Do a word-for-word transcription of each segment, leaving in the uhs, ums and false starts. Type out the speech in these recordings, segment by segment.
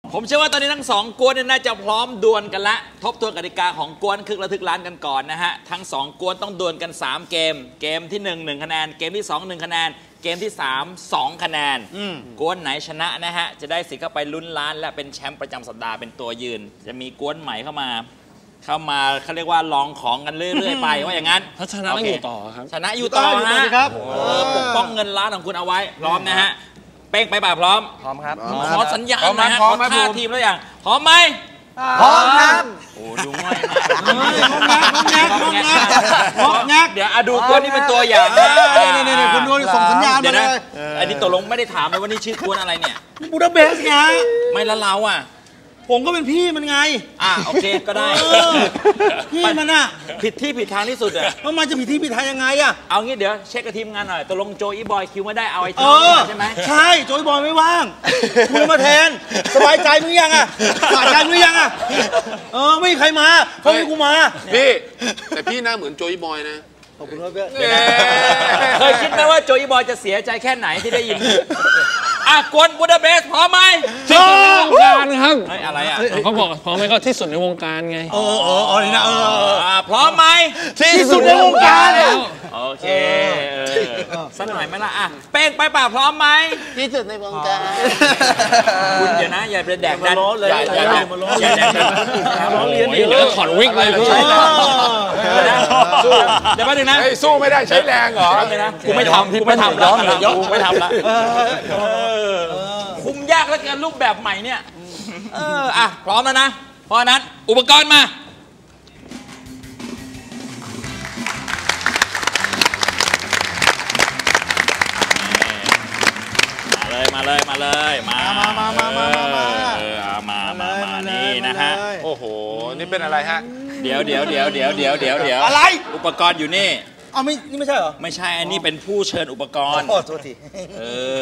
ผมเชื่อว่าตอนนี้ทั้งสองกวนน่าจะพร้อมดวลกันละทบทวนกติกาของกวนคึกระทึกล้านกันก่อนนะฮะทั้งสองกวนต้องดวลกันสามเกมเกมที่หนึ่ง หนึ่งคะแนนเกมที่สอง หนึ่งคะแนนเกมที่สาม สองคะแนนกวนไหนชนะนะฮะจะได้สิทธิ์เข้าไปลุ้นล้านและเป็นแชมป์ประจำสัปดาห์เป็นตัวยืนจะมีกวนใหม่เข้ามาเข้ามาเขาเรียกว่าลองของกันเรื่อยๆไปว่าอย่างนั้นถ้าชนะต้องอยู่ต่อครับชนะอยู่ต่อฮะปกป้องเงินล้านของคุณเอาไว้พร้อมนะฮะเป้งไปป่ะพร้อมพร้อมครับขอสัญญาณนะฮะขอท่าทีมแล้วอย่างพร้อมไหมพร้อมครับโอ้ดูง่ายมากงอกงักงอกงักงอกงักเดี๋ยวดูตัวนี้เป็นตัวอย่างนะนี่ๆๆคุณดูส่งสัญญาณมาเลยอันนี้ตกลงไม่ได้ถามเลยว่านี่ชื่อกวนอะไรเนี่ยบูดาเปสต์ไงไม่ละเราอ่ะผมก็เป็นพี่มันไงอ่ะโอเคก็ได้พี่มันอ่ะผิดที่ผิดทางที่สุดอ่ะว่ามันจะผิดที่ผิดทางยังไงอ่ะเอางี้เดี๋ยวเช็คกับทีมงานหน่อยตกลงโจอีบอยคิวไม่ได้เอาไอ้ทีมใช่ไหมใช่โจอีบอยไม่ว่างคุณมาแทนสบายใจมึงยังอ่ะสบายใจมึงยังอ่ะเออไม่มีใครมาเขาให้กูมาพี่แต่พี่หน้าเหมือนโจอีบอยนะขอบคุณครับพี่เคยคิดไหมว่าโจอีบอยจะเสียใจแค่ไหนที่ได้ยินอ่ะกวนบูดาเปสต์พร้อมไหมที่สุดในวงการครับอะไรอ่ะเขาบอกพร้อมไหมก็ที่สุดในวงการไงเออเออเออนี่นะเออพร้อมไหมที่สุดในวงการโอเคสักหน่อยไหมล่ะอ่ะเป้งไปป่ะพร้อมไหมที่สุดในวงการคุณเดี๋ยวนะอย่าไปแดกดันอย่าอย่าแดกอย่าแดกดันร้องเรียนเดี๋ยวถอดวิกเลยพี่เดี๋ยวแป๊บนึงนะสู้ไม่ได้ใช้แรงเหรอกูไม่ทำกูไม่ทำแล้วกูไม่ทำแล้วคุมยากเหลือเกินรูปแบบใหม่เนี่ยเอออ่ะพร้อมแล้วนะเพราะนั้นอุปกรณ์มามาเลยมาเลยมามามามามามามามามามานี่นะฮะโอ้โหนี่เป็นอะไรฮะเดี๋ยวเดี๋ยวเดี๋ยวเดี๋ยวเดี๋ยวเดี๋ยวเดี๋ยวอะไรอุปกรณ์อยู่นี่เอาไม่นี่ไม่ใช่เหรอไม่ใช่อันนี้เป็นผู้เชิญอุปกรณ์โอ้โทษทีเออ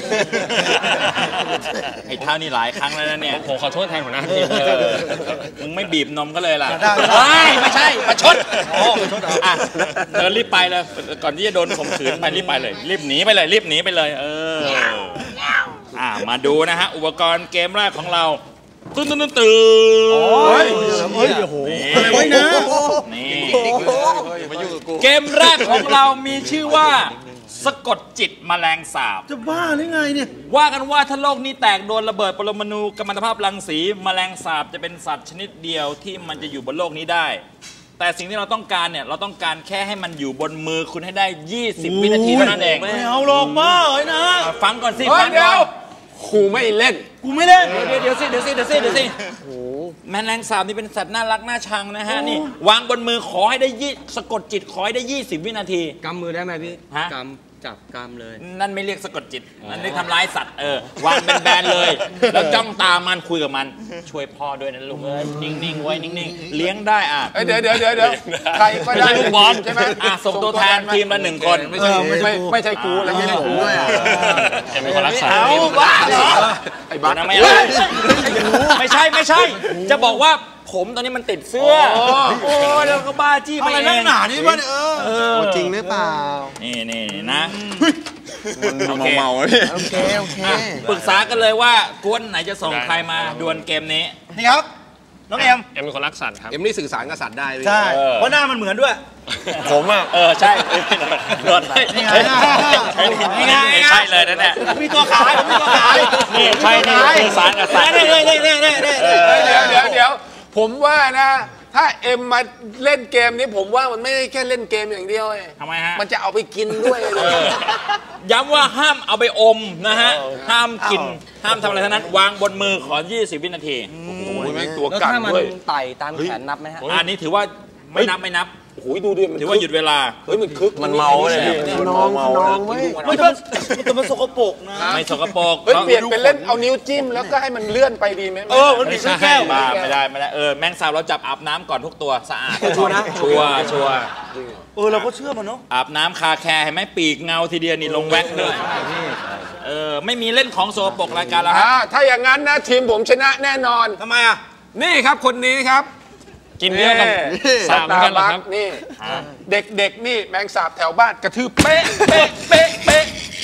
ไอ้เท่านี้หลายครั้งแล้วนะเนี่ยผมขอโทษแทนหัวหน้าทีมมึงไม่บีบนมก็เลยล่ะไม่ไม่ใช่ประชดอ่ะเดินรีบไปเลยก่อนที่จะโดนข่มขืนไปรีบไปเลยรีบหนีไปเลยรีบหนีไปเลยเอออ่ะมาดูนะฮะอุปกรณ์เกมแรกของเราตื่นตื่นตื่นโอ้ยเฮ้ยโอ้โหอะไรวะนะนี่เกมแรกของเรามีชื่อว่าสะกดจิตแมลงสาบจะบ้าหรือไงเนี่ยว่ากันว่าถ้าโลกนี้แตกโดนระเบิดปรมาณูกัมมันตภาพรังสีแมลงสาบจะเป็นสัตว์ชนิดเดียวที่มันจะอยู่บนโลกนี้ได้แต่สิ่งที่เราต้องการเนี่ยเราต้องการแค่ให้มันอยู่บนมือคุณให้ได้ยี่สิบวินาทีเท่านั้นเองไม่เอาหรอกบ้าเลยนะฟังก่อนสิฟังก่อนกูไม่เล่นกูไม่เล่นเดี๋ยวเดี๋ยวสิเดี๋ยวสิเดี๋ยวสิเดี๋ยวสิโอ้แมลงสาบนี่เป็นสัตว์น่ารักน่าชังนะฮะนี่วางบนมือขอให้ได้ยี่สะกดจิตขอให้ได้ยี่สิบวินาทีกำมือได้ไหมพี่ฮะกำจับกำเลยนั่นไม่เรียกสะกดจิตนั่นเรียกทำร้ายสัตว์เออวางเป็นแบนเลยแล้วจ้องตามันคุยกับมันช่วยพ่อด้วยนะลูกเอ้ยนิ่งๆไว้นิ่งๆเลี้ยงได้อ่ะเดี๋ยวเดี๋ยวเดี๋ยวเดี๋ยวใครก็ได้ลูกบอลใช่ไหมอ่ะส่งตัวแทนทีมละหนึ่งคนไม่ใช่ไม่ใช่ไม่ใช่กูแล้วไม่ใช่กูด้วยเป็นคนรักษาเอาบ้าเหรอไอ้บ้าไม่ไม่ใช่ไม่ใช่จะบอกว่าผมตอนนี้มันติดเสื้อโอ้แล้วก็บ้าจี้ไปเองอะไรนักหนานี่บ้าเออจริงหรือเปล่านี่นี่นะมันเมาเมาเลยโอเคโอเคปรึกษากันเลยว่ากวนไหนจะส่งใครมาดวลเกมนี้นี่ครับน้องเอ็มเอ็มเป็นคนรักสัตว์ครับเอ็มนี่สื่อสารกับสัตว์ได้ใช่เพราะหน้ามันเหมือนด้วยผมอ่ะเออใช่โดนใช่ใช่ใช่เลยนั่นแหละมีตัวขายมีตัวขายนี่ใช่นี่สื่อสารกับสัตว์นี่นี่นี่นี่นี่เดี๋ยวเดี๋ยวเดี๋ยวผมว่านะถ้าเอ็มมาเล่นเกมนี้ผมว่ามันไม่ได้แค่เล่นเกมอย่างเดียวเองทำไมฮะมันจะเอาไปกินด้วยเลยย้ำว่าห้ามเอาไปอมนะฮะห้ามกินห้ามทำอะไรทั้งนั้นวางบนมือขอยี่สิบวินาทีโอ้โหแม่งตัวกัดด้วยแล้วถ้ามันไต่ตามแขนนับไหมฮะอันนี้ถือว่าไม่นับไม่นับโอ้โหดูดิถือว่าหยุดเวลาเฮ้ยมันคึกมันเมาเลยน้องน้องไม่ไม่ต้องแต่มันสกปรกนะไม่สกปรกเฮ้ยเปลี่ยนเป็นเล่นเอานิ้วจิ้มแล้วก็ให้มันเลื่อนไปดีไหมเออมันมีแก้วไม่ได้ไม่ได้เออแมงสาบเราจับอาบน้ำก่อนทุกตัวสะอาดชัวร์นะชัวร์ชัวร์เออเราก็เชื่อมันเนาะอาบน้ำคาแคร์ให้ไหมปีกเงาทีเดียวนี่ลงแว็กด้วยเออไม่มีเล่นของโซปกรายการแล้วถ้าอย่างนั้นนะทีมผมชนะแน่นอนทำไมอ่ะนี่ครับคนนี้ครับกินเยอะกับสาบกันเหรอครับนี่เด็กๆนี่แมงสาบแถวบ้านกระทืบเป๊ะเป๊ะเป๊ะเป๊ะ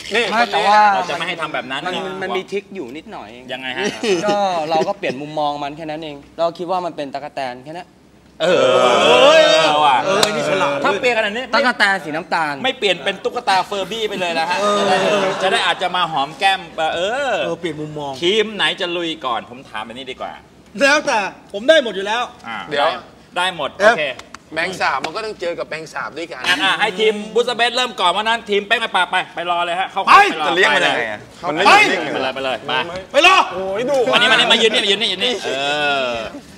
นี่ไม่แต่ว่าเราจะไม่ให้ทำแบบนั้นมันมันมันมีทริคอยู่นิดหน่อยเองยังไงฮะก็เราก็เปลี่ยนมุมมองมันแค่นั้นเอง เราคิดว่ามันเป็นตั๊กแตนแค่นั้นเออเออว่ะเออนี่ฉลาดถ้าเปลี่ยนขนาดนี้ตั๊ไม่กแตนสีน้ำตาลไม่เปลี่ยนเป็นตุ๊กตาเฟอร์บี้ไปเลยนะฮะจะได้จะได้อาจจะมาหอมแก้มเออเออเปลี่ยนมุมมองทีมไหนจะลุยก่อนผมถามแบบนี้ดีกว่าแล้วแต่ผมได้หมดอยู่แล้วอ่าเดี๋ยวได้หมดเอ๊ะโอเคแมงสาบมันก็ต้องเจอกับแมงสาบด้วยกันงั้นอ่ะให้ทีมบุสเบสเริ่มก่อนว่านั้นทีมแป้งไปปาไปไปรอเลยฮะเข้าไปรอจะเลี้ยงมันไปยังเลไงยอะมันไม่ไปนิ่งไปเลยไปเลยไปไปรอโอ้ยดูวันนี้มานี่มายืนนี่มายืนนี่ยืนนี่เออ